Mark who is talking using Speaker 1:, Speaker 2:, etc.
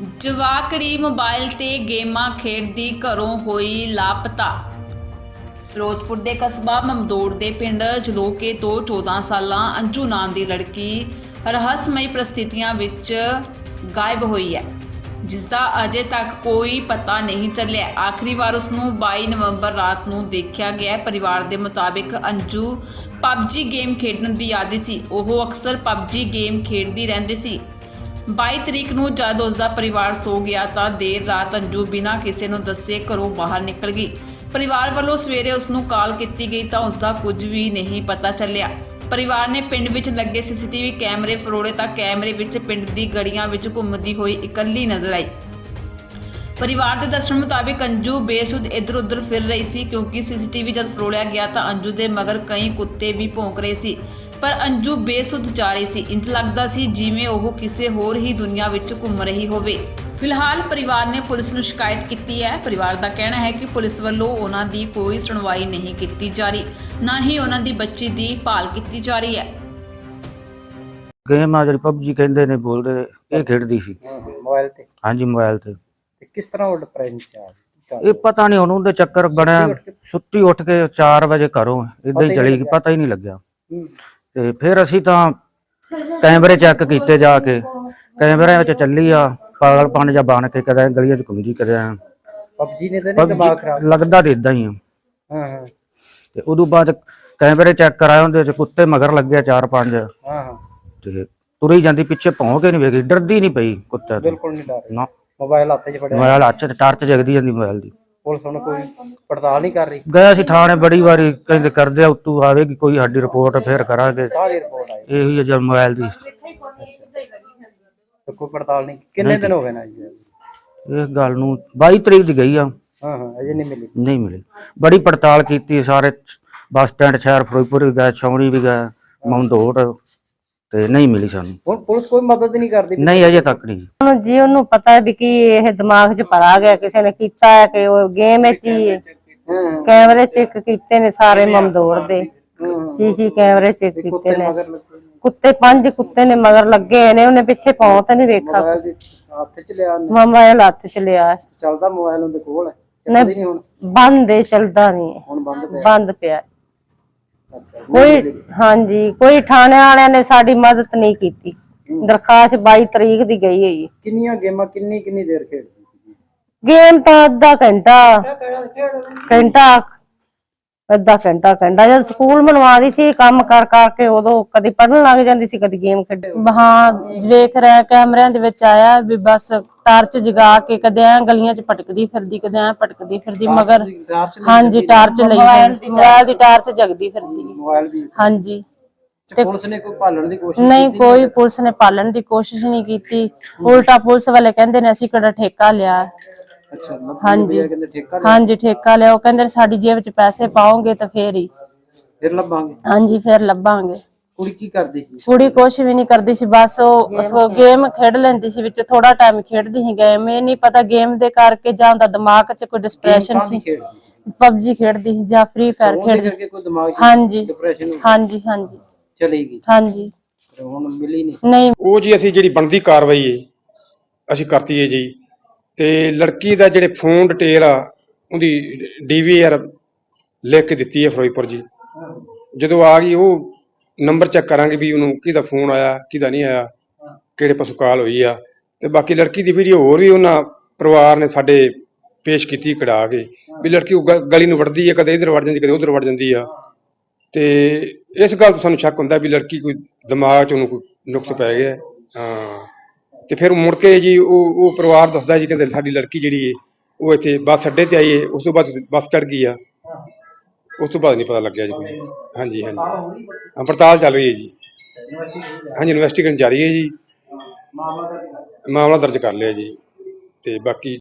Speaker 1: ਜਵਾਕੜੀ mobile ਤੇ ਗੇਮਾਂ ਖੇਡਦੀ ਘਰੋਂ ਹੋਈ ਲਾਪਤਾ। ਫਿਰੋਜ਼ਪੁਰ ਦੇ ਕਸਬਾ ਮਮਦੋੜ ਦੇ ਪਿੰਡ ਜਲੋਕੇ ਤੋਂ 14 ਸਾਲਾਂ ਅੰਜੂ ਨਾਮ ਦੀ ਲੜਕੀ ਰਹੱਸਮਈ ਪ੍ਰਸਥਿਤੀਆਂ ਵਿੱਚ ਗਾਇਬ ਹੋਈ ਹੈ, ਜਿਸ ਦਾ ਅਜੇ ਤੱਕ ਕੋਈ ਪਤਾ ਨਹੀਂ ਚੱਲਿਆ। ਆਖਰੀ ਵਾਰ ਉਸ ਨੂੰ 22 ਨਵੰਬਰ ਰਾਤ ਨੂੰ ਦੇਖਿਆ ਗਿਆ। ਪਰਿਵਾਰ ਦੇ ਮੁਤਾਬਿਕ ਅੰਜੂ ਪਬਜੀ ਗੇਮ ਖੇਡਣ ਦੀ ਆਦੀ ਸੀ। ਉਹ ਅਕਸਰ ਪਬਜੀ ਗੇਮ ਖੇਡਦੀ ਰਹਿੰਦੀ ਸੀ। 22 ਤਰੀਕ ਨੂੰ ਜਦ ਉਸ ਦਾ ਪਰਿਵਾਰ ਸੋ ਗਿਆ ਤਾਂ ਦੇਰ ਰਾਤ ਅੰਜੂ ਬਿਨਾਂ ਕਿਸੇ ਨੂੰ ਦੱਸੇ ਘਰੋਂ ਬਾਹਰ ਨਿਕਲ ਗਈ। ਪਰਿਵਾਰ ਵੱਲੋਂ ਸਵੇਰੇ ਉਸ ਨੂੰ ਕਾਲ ਕੀਤੀ ਗਈ ਤਾਂ ਉਸ ਦਾ ਕੁਝ ਵੀ ਨਹੀਂ ਪਤਾ ਚੱਲਿਆ। ਪਰਿਵਾਰ ਨੇ ਪਿੰਡ ਵਿੱਚ ਲੱਗੇ ਸੀਸੀਟੀਵੀ ਕੈਮਰੇ ਫਰੋੜੇ ਤਾਂ ਕੈਮਰੇ ਵਿੱਚ ਪਿੰਡ ਦੀ ਗਲੀਆਂ ਵਿੱਚ ਘੁੰਮਦੀ ਹੋਈ ਇਕੱਲੀ ਨਜ਼ਰ ਆਈ। ਪਰਿਵਾਰ ਦੇ ਦੱਸਣ ਮੁਤਾਬਿਕ ਅੰਜੂ ਬੇਸੁੱਧ ਇੱਧਰ ਉੱਧਰ ਫਿਰ ਰਹੀ ਸੀ, ਕਿਉਂਕਿ ਸੀਸੀਟੀਵੀ ਜਦ ਫਰੋੜਿਆ ਗਿਆ ਤਾਂ ਅੰਜੂ ਦੇ ਮਗਰ ਕਈ ਕੁੱਤੇ ਵੀ ਭੌਂਕ ਰਹੇ ਸੀ, ਪਰ ਅੰਜੂ ਬੇਸੁੱਧ ਜਾ ਰਹੀ ਸੀ। ਇੰਜ ਲੱਗਦਾ ਸੀ ਜਿਵੇਂ ਉਹ ਕਿਸੇ ਹੋਰ ਹੀ ਦੁਨੀਆ ਵਿੱਚ ਘੁੰਮ ਰਹੀ ਹੋਵੇ। ਫਿਲਹਾਲ ਪਰਿਵਾਰ ਨੇ ਪੁਲਿਸ ਨੂੰ ਸ਼ਿਕਾਇਤ ਕੀਤੀ ਹੈ। ਪਰਿਵਾਰ ਦਾ ਕਹਿਣਾ ਹੈ ਕਿ ਪੁਲਿਸ ਵੱਲੋਂ ਉਹਨਾਂ ਦੀ ਕੋਈ ਸੁਣਵਾਈ ਨਹੀਂ ਕੀਤੀ ਜਾ ਰਹੀ, ਨਾ ਹੀ ਉਹਨਾਂ ਦੀ ਬੱਚੀ ਦੀ ਭਾਲ ਕੀਤੀ ਜਾ ਰਹੀ ਹੈ।
Speaker 2: ਗੇਮ ਆ ਜਿਹੜੀ ਪਬਜੀ ਕਹਿੰਦੇ ਨੇ ਬੋਲਦੇ, ਇਹ ਖੇਡਦੀ ਸੀ
Speaker 3: ਮੋਬਾਈਲ ਤੇ।
Speaker 2: ਹਾਂਜੀ ਮੋਬਾਈਲ ਤੇ।
Speaker 3: ਕਿਸ ਤਰ੍ਹਾਂ ਉਹ ਡਿਪਰੈਸ਼ਨ ਚ ਆ ਗਈ?
Speaker 2: ਇਹ ਪਤਾ ਨਹੀਂ ਉਹਨੂੰ ਦੇ ਚੱਕਰ ਬਣਿਆ, ਸੁੱਤੀ ਉੱਠ ਕੇ 4 ਵਜੇ ਘਰੋਂ ਇਦਾਂ ਹੀ ਚਲੀ ਗਈ, ਪਤਾ ਹੀ ਨਹੀਂ ਲੱਗਿਆ। ਤੇ ਫਿਰ ਅਸੀਂ ਤਾਂ ਕੈਮਰੇ ਚੈੱਕ ਕੀਤੇ ਜਾ ਕੇ, ਕੈਮਰਿਆਂ ਵਿੱਚ ਚੱਲੀ ਆ ਪਾਗਲਪਨ ਜਾਂ ਬਣ ਕੇ ਕਦੇ ਗਲੀਆਂ 'ਚ ਘੁੰਮਦੀ ਕਦੇ
Speaker 3: ਪਬਜੀ ਨੇ ਤਾਂ ਦਿਮਾਗ ਖਰਾਬ
Speaker 2: ਲੱਗਦਾ ਤੇ ਇਦਾਂ ਹੀ ਆ।
Speaker 3: ਹਾਂ
Speaker 2: ਤੇ ਉਦੋਂ ਬਾਅਦ ਕੈਮਰੇ ਚੈੱਕ ਕਰਾਏ, ਉਹਦੇ 'ਚ ਕੁੱਤੇ ਮਗਰ ਲੱਗਿਆ 4-5।
Speaker 3: ਹਾਂ
Speaker 2: ਤੇ ਤੁਰੀ ਜਾਂਦੀ, ਪਿੱਛੇ ਭੌਂ ਕੇ ਨਹੀਂ ਵੇਖੀ, ਡਰਦੀ ਨਹੀਂ ਪਈ ਕੁੱਤੇ ਤੋਂ।
Speaker 3: ਬਿਲਕੁਲ ਨਹੀਂ ਡਰ
Speaker 2: ਨਾ
Speaker 3: ਮੋਬਾਈਲ ਹੱਥ 'ਚ ਫੜਿਆ,
Speaker 2: ਮੋਬਾਈਲ ਹੱਥ 'ਚ ਟਾਰਚ ਜਗਦੀ ਜਾਂਦੀ ਮੋਬਾਈਲ ਦੀ।
Speaker 3: ਪੁਲਿਸ ਹੁਣ ਕੋਈ ਪੜਤਾਲ ਨਹੀਂ ਕਰ ਰਹੀ?
Speaker 2: ਗਿਆ ਸੀ ਥਾਣੇ ਬੜੀ ਵਾਰੀ, ਕਹਿੰਦੇ ਕਰਦੇ ਆ ਉੱਤੋਂ ਆਵੇਗੀ ਕੋਈ ਸਾਡੀ ਰਿਪੋਰਟ, ਫਿਰ ਕਰਾਂਗੇ।
Speaker 3: ਕਾਹਦੀ ਰਿਪੋਰਟ ਆਈ?
Speaker 2: ਇਹੀ ਹੈ ਜਦ ਮੋਬਾਈਲ ਦੀ
Speaker 3: ਕੋਈ ਪੜਤਾਲ ਨਹੀਂ? ਕਿੰਨੇ ਦਿਨ ਹੋ ਗਏ ਨਾ ਜੀ
Speaker 2: ਇਸ ਗੱਲ ਨੂੰ? 22 ਤਰੀਕ ਦੀ ਗਈ ਆ।
Speaker 3: ਹਾਂ ਅਜੇ ਨਹੀਂ ਮਿਲੀ?
Speaker 2: ਨਹੀਂ ਮਿਲੀ। ਬੜੀ ਪੜਤਾਲ ਕੀਤੀ, ਸਾਰੇ ਬੱਸ ਸਟੈਂਡ ਸ਼ਹਿਰ ਫਿਰੋਜ਼ਪੁਰ ਵੀ ਗਏ, ਛਾਉਣੀ ਵੀ ਗਏ, ਮਮਦੋੜ, ਤੇ ਨਹੀਂ ਮਿਲੀ ਸਾਨੂੰ।
Speaker 3: ਹੁਣ ਪੁਲਿਸ ਕੋਈ ਮਦਦ ਨਹੀਂ ਕਰਦੀ?
Speaker 2: ਨਹੀਂ ਅਜੇ ਤੱਕ ਨਹੀਂ
Speaker 4: ਜੀ। ਉਹਨੂੰ ਪਤਾ ਹੈ ਵੀ ਕੀ ਇਹ ਦਿਮਾਗ 'ਚ ਭਰਾ ਗਿਆ, ਕਿਸੇ ਨੇ ਕੀਤਾ ਹੈ ਕਿ ਉਹ ਗੇਮ ਵਿੱਚ ਹੀ ਕੈਮਰੇ ਚੈੱਕ ਕੀਤੇ ਨੇ ਸਾਰੇ ਮਮਦੋੜ ਦੇ, ਸੀ ਕੈਮਰੇ ਚੈੱਕ ਕੀਤੇ ਨੇ। ਕੁੱਤੇ 5 ਕੁੱਤੇ ਨੇ ਮਗਰ ਲੱਗੇ ਨੇ, ਉਹਨੇ ਪਿੱਛੇ ਪਹੁੰਚ ਨਹੀਂ ਵੇਖਾ।
Speaker 3: ਮੋਬਾਈਲ ਹੱਥ 'ਚ ਲਿਆ?
Speaker 4: ਮੋਬਾਈਲ ਹੱਥ 'ਚ ਲਿਆ।
Speaker 3: ਚੱਲਦਾ ਮੋਬਾਈਲ ਉਹਦੇ ਕੋਲ ਹੈ? ਚੱਲਦੀ ਨਹੀਂ ਹੁਣ?
Speaker 4: ਬੰਦ ਹੈ, ਚੱਲਦਾ ਨਹੀਂ,
Speaker 3: ਹੁਣ
Speaker 4: ਬੰਦ ਪਿਆ।
Speaker 3: ਅੱਛਾ
Speaker 4: ਕੋਈ ਹਾਂਜੀ, ਕੋਈ ਥਾਣੇ ਵਾਲਿਆਂ ਨੇ ਸਾਡੀ ਮਦਦ ਨਹੀਂ ਕੀਤੀ। ਦਰਖਾਸਤ 22 ਤਰੀਕ ਦੀ ਗਈ ਹੈ ਜੀ।
Speaker 3: ਕਿੰਨੀਆਂ ਗੇਮਾਂ ਕਿੰਨੀ ਦੇਰ ਖੇਡਦੀ ਸੀ?
Speaker 4: ਗੇਮ ਤਾਂ ਅੱਧਾ ਘੰਟਾ ਜਦ ਸਕੂਲ ਬਣਵਾਦੀ ਸੀ, ਕੰਮ ਕਰ ਕਰਕੇ ਉਦੋਂ ਕਦੀ ਪੜਨ ਲੱਗ ਜਾਂਦੀ ਸੀ, ਕਦੀ ਗੇਮ ਖੇਡ।
Speaker 5: ਹਾਂ ਵੇਖ ਰਿਹਾ ਕੈਮਰਿਆਂ ਦੇ ਵਿੱਚ ਆਇਆ ਵੀ ਬਸ ਟਾਰਚ ਜਗਾ ਕੇ ਕਦੇ ਐ ਗਲੀਆਂ 'ਚ ਭਟਕਦੀ ਫਿਰਦੀ, ਕਦੇ ਐ ਭਟਕਦੀ ਫਿਰਦੀ ਮਗਰ। ਹਾਂਜੀ ਟਾਰਚ ਲਈ, ਮੋਬਾਈਲ ਦੀ ਟਾਰਚ ਜਗਦੀ ਫਿਰਦੀ।
Speaker 3: ਮੋਬਾਈਲ ਵੀ?
Speaker 5: ਹਾਂਜੀ।
Speaker 3: ਤੇ ਪੁਲਿਸ ਨੇ ਕੋਈ ਭਾਲਣ ਦੀ ਕੋਸ਼ਿਸ਼
Speaker 5: ਨਹੀਂ, ਕੋਈ ਪੁਲਿਸ ਨੇ ਪਾਲਣ ਦੀ ਕੋਸ਼ਿਸ਼ ਨਹੀਂ ਕੀਤੀ। ਉਲਟਾ ਪੁਲਿਸ ਵਾਲੇ ਕਹਿੰਦੇ ਨੇ ਅਸੀਂ ਕਿਹੜਾ ਠੇਕਾ ਲਿਆ।
Speaker 3: ਅੱਛਾ
Speaker 5: ਹਾਂਜੀ
Speaker 3: ਕਹਿੰਦੇ ਠੇਕਾ?
Speaker 5: ਹਾਂਜੀ ਠੇਕਾ ਲਿਆ। ਉਹ ਕਹਿੰਦੇ ਸਾਡੀ ਜੇਬ 'ਚ ਪੈਸੇ ਪਾਓਗੇ ਤਾਂ ਫੇਰ ਹੀ।
Speaker 3: ਫਿਰ ਲੱਭਾਂਗੇ?
Speaker 5: ਹਾਂਜੀ ਫਿਰ ਲੱਭਾਂਗੇ।
Speaker 3: ਕੁੜੀ ਕੀ ਕਰਦੀ ਸੀ?
Speaker 5: ਕੁੜੀ ਕੁਛ ਵੀ ਨਹੀਂ ਕਰਦੀ ਸੀ, ਬਸ ਉਹ ਗੇਮ ਖੇਡ ਲੈਂਦੀ ਸੀ, ਵਿੱਚ ਥੋੜਾ ਟਾਈਮ ਖੇਡਦੀ ਸੀ ਗੇਮ। ਇਹ ਨਹੀਂ ਪਤਾ ਗੇਮ ਦੇ ਕਰਕੇ ਜਾਂ ਉਹਦਾ ਦਿਮਾਗ 'ਚ ਕੋਈ ਡਿਸਪਰੈਸ਼ਨ ਸੀ। ਪਬਜੀ ਖੇਡਦੀ ਸੀ ਜਾਂ ਫ੍ਰੀ ਫਾਇਰ ਖੇਡਦੀ। ਹਾਂਜੀ ਹਾਂਜੀ ਹਾਂਜੀ
Speaker 3: ਚਲੀ ਗਈ?
Speaker 5: ਹਾਂਜੀ।
Speaker 3: ਹੁਣ ਮਿਲੀ
Speaker 5: ਨਹੀਂ।
Speaker 6: ਉਹ ਜੀ ਅਸੀਂ ਜਿਹੜੀ ਬਣਦੀ ਕਾਰਵਾਈ ਹੈ ਅਸੀਂ ਕਰਤੀ ਹੈ ਜੀ। ਤੇ ਲੜਕੀ ਦਾ ਜਿਹੜੇ ਫੋਨ ਡਿਟੇਲ ਆ ਉਹਦੀ DVR ਲਿਖ ਕੇ ਦਿੱਤੀ ਹੈ ਫਿਰੋਜ਼ਪੁਰ ਜੀ। ਜਦੋਂ ਆ ਗਈ ਉਹ ਨੰਬਰ ਚੈੱਕ ਕਰਾਂਗੇ ਵੀ ਉਹਨੂੰ ਕਿਹਦਾ ਫੋਨ ਆਇਆ ਕਿਹਦਾ ਨਹੀਂ ਆਇਆ, ਕਿਹੜੇ ਪਾਸੋਂ ਕਾਲ ਹੋਈ ਆ। ਤੇ ਬਾਕੀ ਲੜਕੀ ਦੀ ਵੀਡੀਓ ਹੋਰ ਵੀ ਉਹਨਾਂ ਪਰਿਵਾਰ ਨੇ ਸਾਡੇ ਪੇਸ਼ ਕੀਤੀ ਕਢਾ ਕੇ, ਵੀ ਲੜਕੀ ਉਹ ਗਲੀ ਨੂੰ ਵੜਦੀ ਹੈ, ਕਦੇ ਇੱਧਰ ਵੜ ਜਾਂਦੀ ਕਦੇ ਉੱਧਰ ਵੜ ਜਾਂਦੀ ਆ। ਤੇ ਇਸ ਗੱਲ ਤੋਂ ਸਾਨੂੰ ਸ਼ੱਕ ਹੁੰਦਾ ਵੀ ਲੜਕੀ ਕੋਈ ਦਿਮਾਗ 'ਚ ਉਹਨੂੰ ਕੋਈ ਨੁਕਸ ਪੈ ਗਿਆ। ਹਾਂ। ਤੇ ਫਿਰ ਮੁੜ ਕੇ ਜੀ ਉਹ ਪਰਿਵਾਰ ਦੱਸਦਾ ਜੀ, ਕਹਿੰਦੇ ਸਾਡੀ ਲੜਕੀ ਜਿਹੜੀ ਹੈ ਉਹ ਇੱਥੇ ਬੱਸ ਅੱਡੇ ਤੇ ਆਈ ਹੈ, ਉਸ ਤੋਂ ਬਾਅਦ ਬੱਸ ਚੜ੍ਹ ਗਈ ਆ, ਉਸ ਤੋਂ ਬਾਅਦ ਨਹੀਂ ਪਤਾ ਲੱਗਿਆ ਜੀ ਕੋਈ। ਹਾਂਜੀ ਹਾਂਜੀ ਪੜਤਾਲ ਚੱਲ ਰਹੀ ਹੈ ਜੀ। ਹਾਂਜੀ ਇਨਵੈਸਟੀਗੇਸ਼ਨ ਜਾਰੀ ਹੈ ਜੀ, ਮਾਮਲਾ ਦਰਜ ਕਰ ਲਿਆ ਜੀ। ਤੇ ਬਾਕੀ